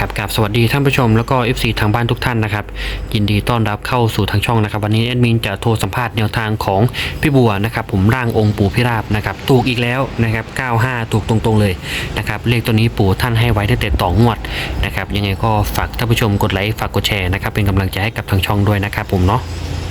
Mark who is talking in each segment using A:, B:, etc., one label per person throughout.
A: นะครับกับสวัสดีท่านผู้ชมแล้วก็ FC ทางบ้านทุกท่านนะครับยินดีต้อนรับเข้าสู่ทางช่องนะครับวันนี้แอดมินจะโทรสัมภาษณ์แนวทางของพี่บัวนะครับผมร่างองค์ปู่พิราบนะครับถูกอีกแล้วนะครับ95ถูกตรงๆเลยนะครับเลขตัวนี้ปู่ท่านให้ไว้ตั้งแต่ต่องวดนะครับยังไงก็ฝากท่านผู้ชมกดไลค์ฝากกดแชร์นะครับเป็นกำลังใจให้กับทางช่องด้วยนะครับผมเนาะ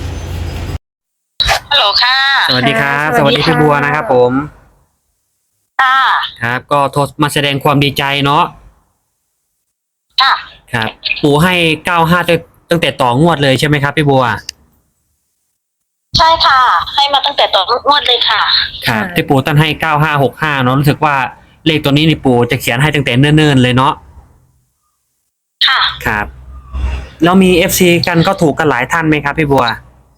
B: ฮัลโหลค่ะ
A: สวัสดีครับ
C: ค่ะ
A: สวัสดีพี่บัวนะครับผม
B: ค่ะ
A: ครับก็โทรมาแสดงความดีใจเนาะ
B: ค่ะ
A: ครับปู่ให้95ตั้งแต่ต่องวดเลยใช่ไหมครับพี่บัว
B: ใช่ค่ะ ให้มาตั้งแต่ตอนงวดเลยค่ะ
A: ครับที่ปู่ตั้งให้9565เนาะรู้สึกว่าเลขตัวนี้นี่ปู่จะเขียนให้ตั้งแต่เนิ่นๆเลยเนาะ
B: ค่ะ
A: ครับแล้วมี FC กันก็ถูกกันหลายท่านไหมครับพี่บัว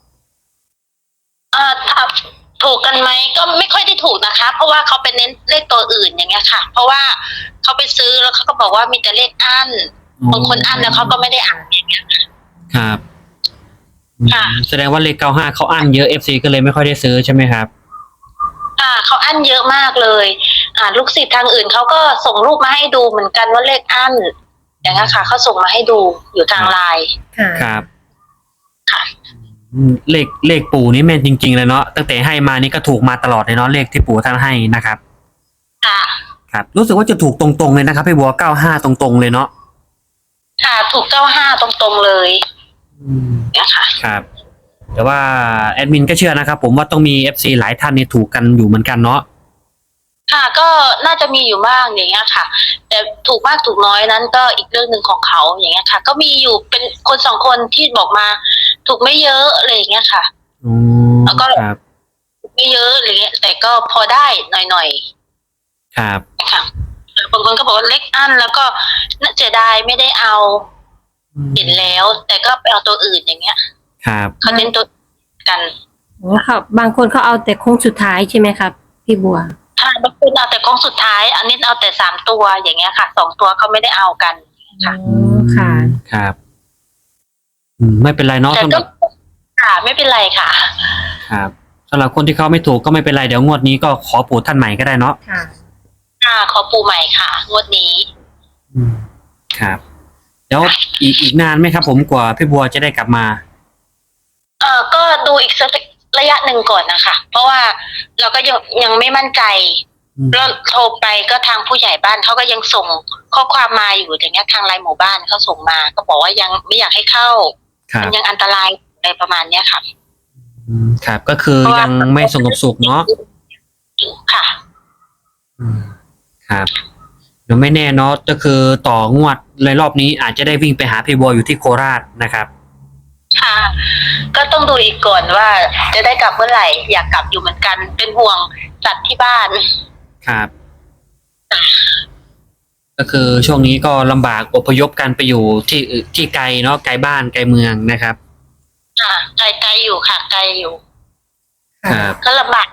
B: ถ้าถูกกันไหมก็ไม่ค่อยได้ถูกนะคะ เพราะว่าเขาไปเน้นเลขตัวอื่นอย่างเงี้ยค่ะ เพราะว่าเขาไปซื้อแล้วเขาก็บอกว่ามีแต่เลขอั้นบางคนอั้นแล้วเขาก็ไม่ได้อ่านอย่างเงี้ย
A: ครับ
B: ค่ะ
A: แสดงว่าเลข95เขาอั้นเยอะ FC ก็เลยไม่ค่อยได้ซื้อใช่ไหมครับ
B: ค่ะเขาอั้นเยอะมากเลยลูกศิษย์ทางอื่นเขาก็ส่งรูปมาให้ดูเหมือนกันว่าเลขอั้นอย่างเงี้ยค่ะเขาส่งมาให้ดูอยู่ทางไลน์
C: ค่ะ
A: ครับ
B: ค่ะ
A: เลขปู่นี่แม่นจริงๆเลยเนาะตั้งแต่ให้มานี่ก็ถูกมาตลอดเลยเนาะเลขที่ปู่ท่านให้นะครับ
B: ค่ะ
A: ครับรู้สึกว่าจะถูกตรงๆเลยนะครับพี่บัว95ตรงๆเลยเนาะ
B: ค่ะถูก95ตรงๆเลยเนี่ยค่ะ
A: ครับ แต่ว่าแอดมินก็เชื่อนะครับผมว่าต้องมี FC หลายท่านนี่ถูกกันอยู่เหมือนกันเนาะ
B: ค่ะก็น่าจะมีอยู่บ้างอย่างเงี้ยค่ะ แต่ถูกมากถูกน้อยนั้นก็อีกเรื่องหนึ่งของเขาอย่างเงี้ยค่ะ ก็มีอยู่เป็นคนสองคนที่บอกมา ถูกไม่เยอะอะไรอย่างเงี้ยค่ะ
A: อืม
B: แล้วก็
A: ครับ
B: ถูกไม่เยอะอะไรเงี้ยแต่ก็พอได้หน่อย
A: ครับ
B: ๆนะคะบางคนก็บอกว่าเล็กอันแล้วก็น่าเสียดายไม่ได้เอาเห็นแล้ว แต่ก็ไปเอาตัวอื่นอย่างเงี้ย
A: ครับ
B: เขาเน้นตัวกัน
C: อ๋อค่ะบางคนเขาเอาแต่โค้งสุดท้ายใช่ไหมครับพี่บัว
B: ถ้าบางคนเอาแต่กองสุดท้าย อันนี้เอาแต่3ตัวอย่างเงี้ยค่ะ2ตัวเขาไม่ได้เอากัน ค่ะ
C: อ๋อค่ะ
A: ครับไม่เป็นไรเนาะ
B: แต่
A: สำห
B: ก็
A: รับ
B: ค่ะไม่เป็นไรค่ะ
A: ครับสำหรับคนที่เขาไม่ถูกก็ไม่เป็นไรเดี๋ยวงวดนี้ก็ขอปู่ท่านใหม่ก็ได้เนาะ
C: ค่ะ
B: ค่ะขอปูใหม่ค่ะงวดนี้
A: ครับแล้วอีกนานไหมครับผมกว่าพี่บัวจะได้กลับมา
B: ก็ดูอีกสักระยะหนึ่งก่อนนะคะ เพราะว่าเราก็ยังไม่มั่นใจแล้วโทรไปก็ทางผู้ใหญ่บ้านเขาก็ยังส่งข้อความมาอยู่อย่างเงี้ยทางไลน์หมู่บ้านเขาส่งมา ก็บอกว่ายังไม่อยากให้เข้า
A: ครับ
B: มันยังอันตรายอะไรประมาณเนี้ยค่ะ
A: ครับก็คือยังไม่สงบสุขเนาะ
B: ค่ะ
A: ครับเดี๋ยวไม่แน่เนาะก็คือต่องวดเลยรอบนี้อาจจะได้วิ่งไปหาพี่บัวอยู่ที่โคราชนะครับ
B: ค่ะ ก็ต้องดูอีกก่อนว่าจะได้กลับเมื่อไหร่อยากกลับอยู่เหมือนกัน เป็นห่วงสัตว์ที่บ้าน
A: ครับ ก็คือช่วงนี้ก็ลำบากอพยพกันไปอยู่ที่ไกลเนาะไกลบ้านไกลเมืองนะครับ
B: ค่ะไกลๆอยู่ค่ะไกลอยู่
A: ครับ
B: ก็ลำบาก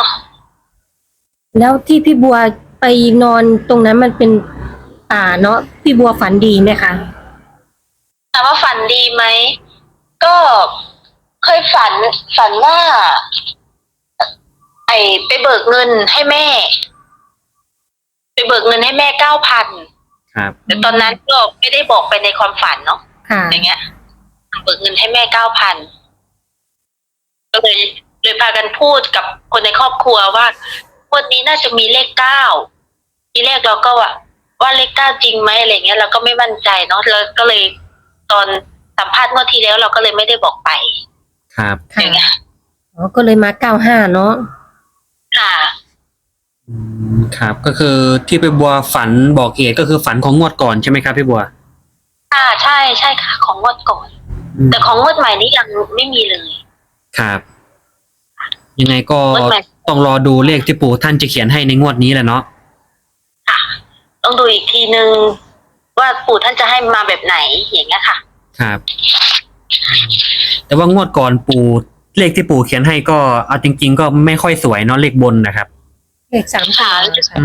C: แล้วที่พี่บัวไปนอนตรงนั้นมันเป็นป่าเนาะพี่บัวฝันดีไหมคะ
B: ถามว่าฝันดีไหม ก็เคยฝันว่า ไปเบิกเงินให้แม่ ไปเบิกเงินให้แม่9,000
A: ครับ
B: แต่ตอนนั้นก็ไม่ได้บอกไปในความฝันเนาะ
C: ค่ะ
B: อย่างเงี้ยเบิกเงินให้แม่9,000ก็เลยพากันพูดกับคนในครอบครัวว่าวันนี้น่าจะมีเลข9ทีแรกเราก็ว่าเลข9จริงไหมอะไรเงี้ยเราก็ไม่มั่นใจเนาะแล้วก็เลยตอนสัมภาษณ์เมื่อทีแล้วเราก็เลยไม่ได้บอกไป
A: ครับ
C: ค่ะ
B: อย่างเงี้ย
C: อ๋อก็เลยมา95เนาะ
B: ค่ะ
A: ครับก็คือที่พี่บัวฝันบอกเหตุก็คือฝันของงวดก่อนใช่ไหมครับพี่บัว
B: ใช่ค่ะ ของงวดก่อน แต่ของงวดใหม่นี้ยังไม่มีเลย
A: ครับ ยังไงก็
B: งวดใหม่
A: ต้องรอดูเลขที่ปู่ท่านจะเขียนให้ในงวดนี้แหละเนาะ
B: ต้องดูอีกทีนึงว่าปู่ท่านจะให้มาแบบไหนอย่างเงี้ยค่ะ
A: ครับ แต่ว่างวดก่อนปู่เลขที่ปู่เขียนให้ก็เอาจริง ๆ ก็ไม่ค่อยสวยเนาะเลขบนนะครับ
C: เลข3ตัวค่ะ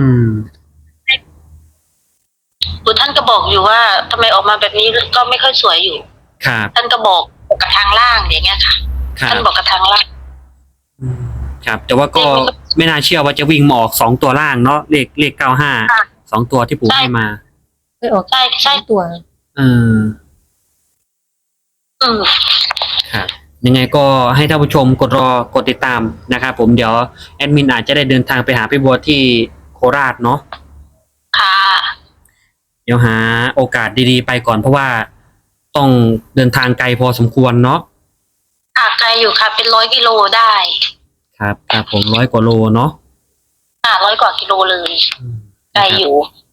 B: ปู่ท่านก็บอกอยู่ว่าทำไมออกมาแบบนี้ก็ไม่ค่อยสวยอยู่
A: ครับ
B: ท่านก็บอกกับทางล่างอย่างเงี้ยค่ะ
A: ครั
B: ท่าน
A: บ
B: บอกกับทางล่าง
A: ครับ แต่ว่าก็ไม่น่าเชื่อว่าจะวิ่งมาออก2 ตัวล่างเนาะเลข95 2 ตัวที่ปู่ให้มา
C: ไปออก
B: ใช่
C: ตัว
A: เออ
B: อืม
A: ครับยังไงก็ให้ท่านผู้ชมกดติดตามนะครับผมเดี๋ยวแอดมินอาจจะได้เดินทางไปหาพี่บัวที่โคราชเนาะ
B: ค่ะ
A: เดี๋ยวหาโอกาสดีๆไปก่อนเพราะว่าต้องเดินทางไกลพอสมควรเนาะ
B: ไกลอยู่ค่ะ เป็น100 กิโลได้
A: ครับครับผม100 กว่าโลเนาะ
B: 100 กว่ากิโลเลยไกลอยู่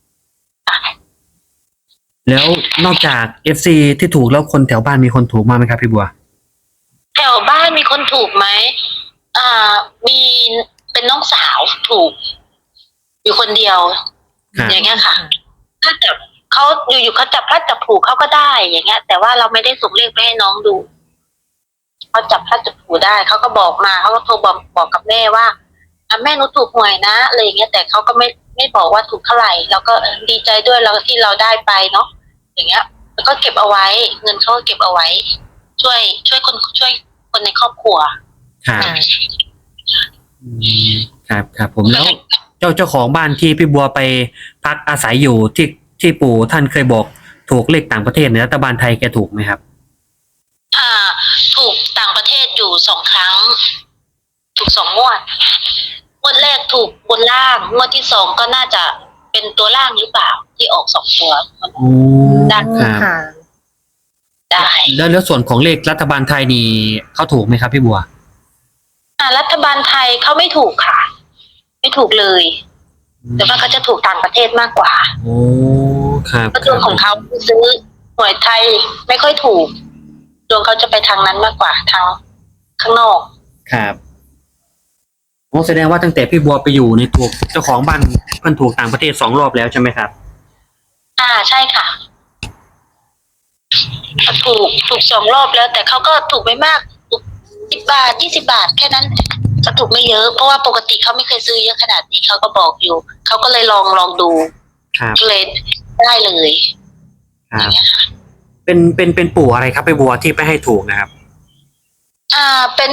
A: แล้วนอกจาก FC ที่ถูกแล้วคนแถวบ้านมีคนถูกมากไหมครับพี่บัว
B: แถวบ้านมีคนถูกไหมมีเป็นน้องสาวถูก อยู่คนเดียว
A: ครับ
B: อย่างเงี้ยค่ะ ถ้าจับเขาอยู่ๆเขาจับพลัดจับผลูเขาก็ได้อย่างเงี้ย แต่ว่าเราไม่ได้ส่งเลขไปให้น้องดูเขาจับพลัดจับผลูได้เขาก็บอกมาเขาก็โทรบอกกับแม่ว่าแม่หนูถูกหวยนะอะไรอย่างเงี้ยแต่เขาก็ไม่บอกว่าถูกเท่าไหร่เราก็ดีใจด้วยเราที่เราได้ไปเนาะอย่างเงี้ย แล้วก็เก็บเอาไว้ เงินเขาก็เก็บเอาไว้ ช่วยคนในครอบครัว
A: ครับอืมครับผมแล้วเจ้าของบ้านที่พี่บัวไปพักอาศัยอยู่ที่ปู่ท่านเคยบอกถูกเลขต่างประเทศในรัฐบาลไทยแกถูกไหมครับ
B: ถูกต่างประเทศอยู่2 ครั้ง ถูก2 งวดแรกถูกบนล่างงวดที่2ก็น่าจะเป็นตัวล่างหรือเปล่าที่ออก2 ตัว
A: โอ้
B: ได้
A: ครับ
C: ค่ะ
B: ได้
A: แล้วส่วนของเลขรัฐบาลไทยนี่เขาถูกไหมครับพี่บัว
B: รัฐบาลไทยเขาไม่ถูกค่ะ ไม่ถูกเลยแต่ว่าเขาจะถูกต่างประเทศมากกว่า
A: โอ้ครับ
B: เพราะดวงของเขาซื้อหวยไทยไม่ค่อยถูกดวงเขาจะไปทางนั้นมากกว่าทางข้างนอก
A: ครับโอ้แสดงว่าตั้งแต่พี่บัวไปอยู่ในตัวเจ้าของบ้านเพิ่นถูกต่างประเทศ2 รอบแล้วใช่ไหมครับ
B: ใช่ค่ะถูก2 รอบแล้ว แต่เขาก็ถูกไม่มากถูก10 บาท20 บาทแค่นั้นก็ถูกไม่เยอะเพราะว่าปกติเขาไม่เคยซื้อเยอะขนาดนี้เขาก็บอกอยู่เขาก็เลยลองดู
A: ครับ
B: ก็เลยได้เลย
A: ครับเป็นปู่อะไรครับพี่บัวที่ไปให้ถูกนะครับ
B: เป็น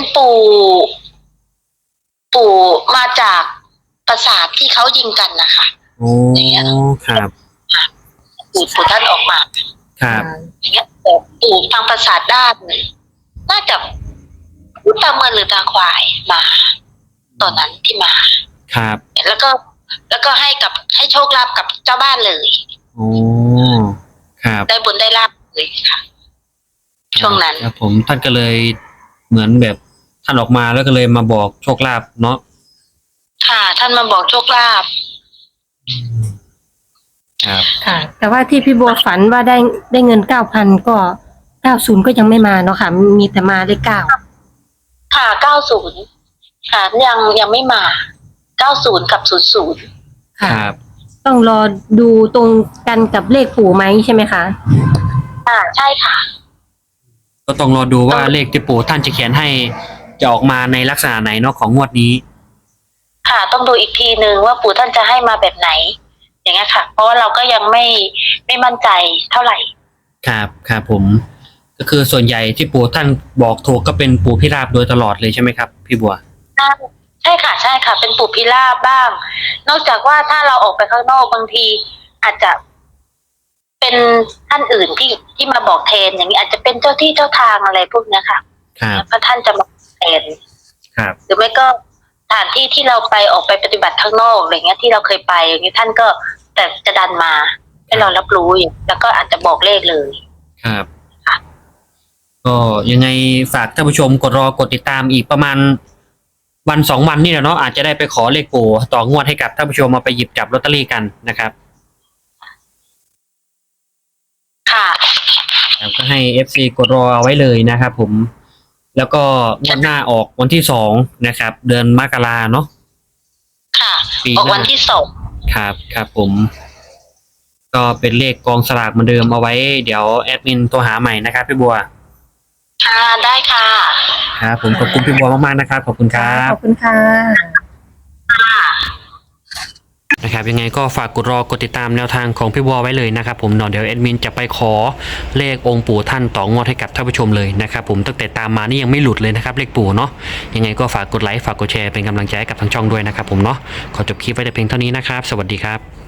B: ปู่มาจากปราสาทที่เขายิงกันนะคะ
A: โอ้ครับ
B: ปู่ท่านออกมา
A: ครับ
B: อย่างเงี้ยแต่ปู่ทางปราสาทด้านน่าจะตามเมืองหรือตาควายมา ตอนนั้นที่มา
A: ครับ
B: แล้วก็ให้โชคลาภกับเจ้าบ้านเลย
A: โอ้ครับ
B: ได้บุญได้ลาภเลยค่ะ ช่วงนั้น
A: ครับผมท่านก็เลยเหมือนแบบท่านออกมาแล้วก็เลยมาบอกโชคลาภเนาะ
B: ค่ะ ท่านมาบอกโชคลาภ
A: ครับ
C: ค่ะ แต่ว่าที่พี่บัวฝันว่าได้เงิน 9,000 ก็90ก็ยังไม่มาเนาะค่ะ มีแต่มาเลข9
B: ค่ะ90ค่ะยังไม่มา90กับ00
A: ค
C: ค่ะ
A: รับ
C: ต้องรอดูตรงกันกับเลขปู่ไหมใช่ไหมคะ
B: ใช่ค่ะ
A: ก็ต้องรอดูว่าเลขที่ปู่ท่านจะเขียนให้จะออกมาในลักษณะไหนเนาะของงวดนี้
B: ค่ะต้องดูอีกทีนึงว่าปู่ท่านจะให้มาแบบไหน อย่างเงี้ยค่ะ เพราะว่าเราก็ยังไม่มั่นใจเท่าไหร่
A: ครับครับผม ก็คือส่วนใหญ่ที่ปู่ท่านบอกถูกก็เป็นปู่พิราบโดยตลอดเลยใช่ไหมครับ พี่บัว
B: ใช่ค่ะใช่ค่ะ เป็นปู่พิราบบ้าง นอกจากว่าถ้าเราออกไปข้างนอกบางที อาจจะเป็นท่านอื่นที่มาบอกแทนอย่างนี้อาจจะเป็นเจ้าที่เจ้าทางอะไรพวกเนี้ยค่ะ
A: ครับ
B: แล้วก็ท่านจะมาแทน
A: ครับ
B: หรือไม่ก็สถานที่ที่เราไปออกไปปฏิบัติข้างนอกอะไรเงี้ยที่เราเคยไปอย่างนี้ท่านก็แต่จะดันมาให้เรารับรู้อย่างแล้วก็อาจจะบอกเลขเลย
A: ครับ
B: ค่ะ
A: ก็ยังไงฝากท่านผู้ชมกดติดตามอีกประมาณวัน2 วันนี่แหละเนาะอาจจะได้ไปขอเลขปู่ต่องวดให้กับท่านผู้ชมมาไปหยิบจับลอตเตอรี่กันนะครับ
B: ค่ะ
A: ครับก็ให้ FC กดรอเอาไว้เลยนะครับผม แล้วก็งวดหน้าออกวันที่2นะครับ เดือนมกราเนาะ
B: ค่ะ
A: ปีห
B: อ
A: น้า
B: อกวันที่2
A: ครับครับผม ก็เป็นเลขกองสลากเหมือนเดิมเอาไว้เดี๋ยวแอดมินตัวหาใหม่นะครับพี่บัว
B: ค่ะได้ค่ะ
A: ครับผมขอบคุณพี่บัวมากๆนะครับขอบคุณครับ
C: ขอบคุณค่ะ
A: นะครับยังไงก็ฝากกดติดตามแนวทางของพี่บัวไว้เลยนะครับผมเนาะเดี๋ยวแอดมินจะไปขอเลของค์ปู่ท่านต่องวดให้กับท่านผู้ชมเลยนะครับผมตั้งแต่ตามมานี่ยังไม่หลุดเลยนะครับเลขปู่เนาะยังไงก็ฝากกดไลค์ฝากกดแชร์เป็นกำลังใจให้กับทางช่องด้วยนะครับผมเนาะขอจบคลิปไว้แต่เพียงเท่านี้นะครับสวัสดีครับ